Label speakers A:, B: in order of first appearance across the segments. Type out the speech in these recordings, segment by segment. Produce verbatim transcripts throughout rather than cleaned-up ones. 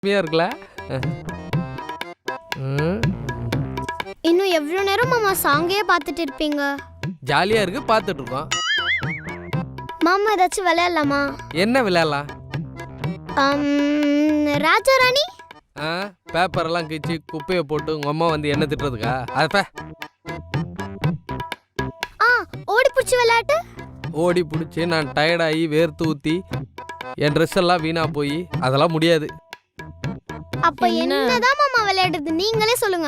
A: இருக்குல்ல.
B: இன்னும் எவ்வளவு நேரம் மாமா சாங்கே பார்த்துட்டு இருப்பீங்க?
A: ஜாலியா இருக்கு, பார்த்துட்டு இருக்கோம்.
B: மாமா ஏதாச்சும் விளையாடலாமா?
A: என்ன விளையாடலாம்?
B: ராஜா ராணி.
A: பேப்பர் எல்லாம் கிச்சு குப்பையை போட்டு உங்க அம்மா வந்து என்ன திட்டுறதுக்கா? அதப்ப
B: ஓடி பிடிச்சி விளையாட்டு.
A: ஓடி பிடிச்சி நான் டயர்டாகி வேர்த்து ஊத்தி என் ட்ரெஸ் எல்லாம் வீணா போய் அதெல்லாம் முடியாது.
B: அப்ப என்னதான் மாமா விளையாடுறது நீங்களே சொல்லுங்க.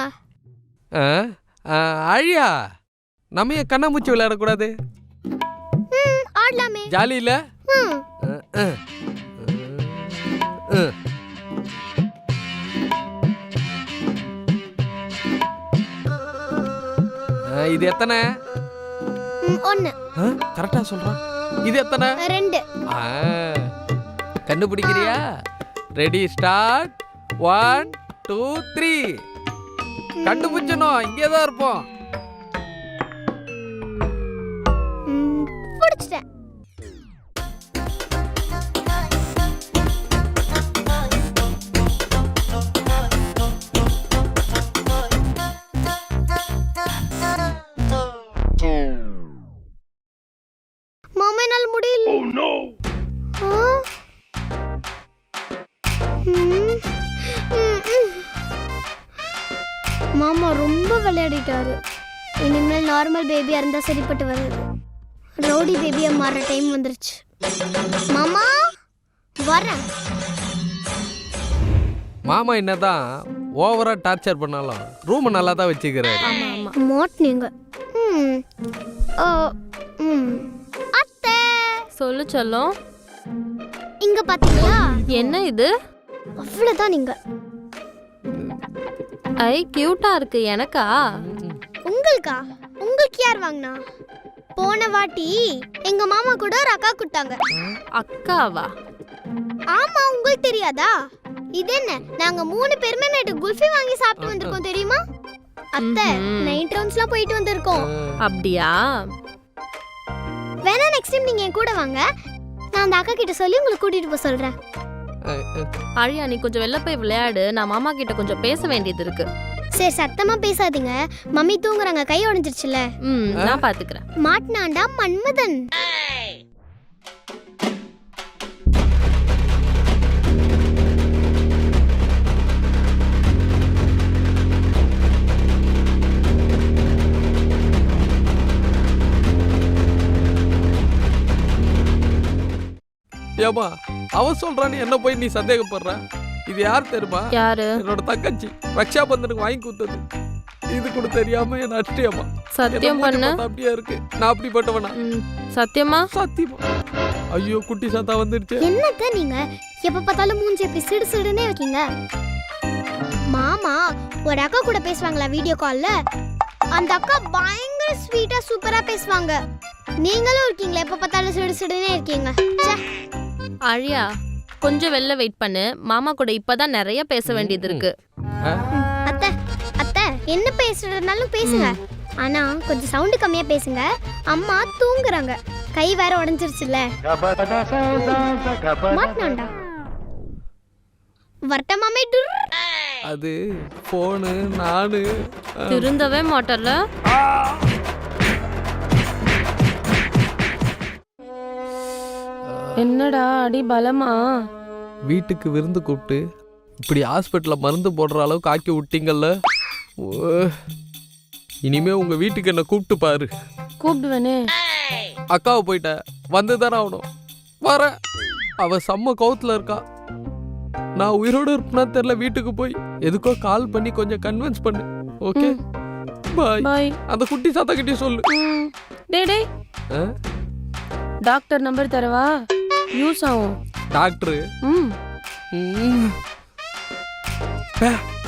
A: அழியா, நம்ம ஏன் கண்ணாமூச்சி விளையாடக்கூடாது?
B: ஆடலாமே.
A: ஜாலி இல்ல? இது எத்தனை?
B: ஒன்னு.
A: கரெக்டா சொல்றான். இது எத்தனை?
B: ரெண்டு.
A: கண்டுபிடிக்கிறியா? Ready start. One two three. கண்டுபிடிச்சனும் இங்கேதான் இருப்போம்.
B: பிடிச்சிட்டேன். மாமா என்னால முடியல. Oh no. மாமா ரொம்ப விளையாடிட்டாரு. இனிமேல் நார்மல் பேபியா இருந்தா சரிப்பட்டு வராது. ரவுடி பேபியா மாற டைம் வந்துருச்சு. மாமா வரேன்.
A: மாமா என்னதான் ஓவரா டார்ச்சர் பண்ணாலும் ரூம் நல்லா தான் வச்சுக்கிறாரு.
B: ஆமா ஆமா. மாட்னீங்க. ம். ஓ ம். அத்தை
C: சொல்லு செல்லம்.
B: இங்க பாத்தீங்களா?
C: என்ன இது?
B: அவ்வளவுதான் நீங்க.
C: ஐ கியூட்டா இருக்கு. எனக்கா?
B: உங்களுக்கா? உங்களுக்கு யார் வாங்கினா? போன வாட்டி எங்க மாமா கூட ஒரு அக்கா கொடுத்தாங்க.
C: அக்காவா?
B: ஆமா, உங்களுக்கு தெரியாதா? இது என்ன, நாங்க மூணு பேருமே நைட்டு குல்ஃபி வாங்கி சாப்பிட்டு வந்திருக்கோம் தெரியுமா? அத்தை நைட் ரவுண்ட்ஸ்லாம் போயிட்டு வந்திருக்கோம்.
C: அப்படியா?
B: வேணா நெக்ஸ்ட் டைம் நீங்க என் கூட வாங்க. நான் அந்த அக்கா கிட்ட சொல்லி உங்களுக்கு கூட்டிட்டு போக சொல்றேன்.
C: அழியா, நீ கொஞ்சம் வெளில போய் விளையாடு. நான் மாமா கிட்ட கொஞ்சம் பேச வேண்டியது இருக்கு.
B: சரி, சத்தமா பேசாதீங்க. மம்மி தூங்குறாங்க, கை உடைஞ்சிருச்சுல.
C: ம், நான் பாத்துக்கிறேன்.
B: மாட்னாண்டா மன்மதன்.
A: ஏமா அவ சொல்றான்னு என்ன போய் நீ சந்தேகப்படுற? இது யார் தெரியுமா?
C: யாரு?
A: என்னோட தங்கச்சி. ரக்ஷா பந்தனுக்கு வாங்கி கொடுத்தது. இது கூட தெரியாம என்ன அடிச்சிட்டியம்மா.
C: சத்தியம் பண்ணு.
A: அப்படியே இருக்கு. நான் அப்படிப்பட்டவனா?
C: சத்தியமா?
A: சத்தியமா. ஐயோ, குட்டி சாத்தா வந்துருச்சு.
B: என்னத்த நீங்க எப்ப பார்த்தாலும் மூஞ்சி எப்படி சிடு சிடுனே இருக்கீங்க? மாமா ஒரு அக்கா கூட பேசுவாங்களா வீடியோ கால்ல? அந்த அக்கா பயங்கர ஸ்வீட்டா சூப்பரா பேசுவாங்க. நீங்களும் இருக்கீங்களா எப்ப பார்த்தாலும் சிடு சிடுனே இருக்கீங்க?
C: அழியா, கொஞ்சம் வெளில வெயிட் பண்ணு. மாமா கூட இப்பதான் நிறைய பேச வேண்டியது இருக்கு.
B: அத்தை அத்தை என்ன பேசுறதுனாலும் பேசுங்க. ஆனா கொஞ்சம் சவுண்ட் கம்மியா பேசுங்க. அம்மா தூங்குறாங்க. கை வேற உடைஞ்சிருச்சுல. மாட்னாண்டா. வர்த்தமாமே
A: அது போனு. நானு
C: திருந்தவே மாட்டல. என்னடா அடி பலமா?
A: வீட்டுக்கு விருந்து கூப்பிட்டு இப்படி ஹாஸ்பிட்டல்ல மருந்து போடுற அளவுக்கு ஆக்கி விட்டீங்கல்ல. இனிமே உங்க வீட்டுக்கு என்ன கூப்பிட்டு பாரு.
C: கூப்பிடுவேனே.
A: அக்காவை போயிட்ட வந்துதானே ஆகணும். வர அவ செம்ம கவுத்துல இருக்கா. நான் உயிரோட இருப்பேனா தெரியல. வீட்டுக்கு போய் எதுக்கோ கால் பண்ணி கொஞ்சம் கன்வின்ஸ் பண்ணு. Okay bye
C: bye.
A: அந்த குட்டி சாத்தா கிட்டே சொல்லு.
C: டேய் டேய், டாக்டர் நம்பர் தரவா? யூஸ் ஆகும்.
A: டாக்டர்?
C: ம்
A: ம்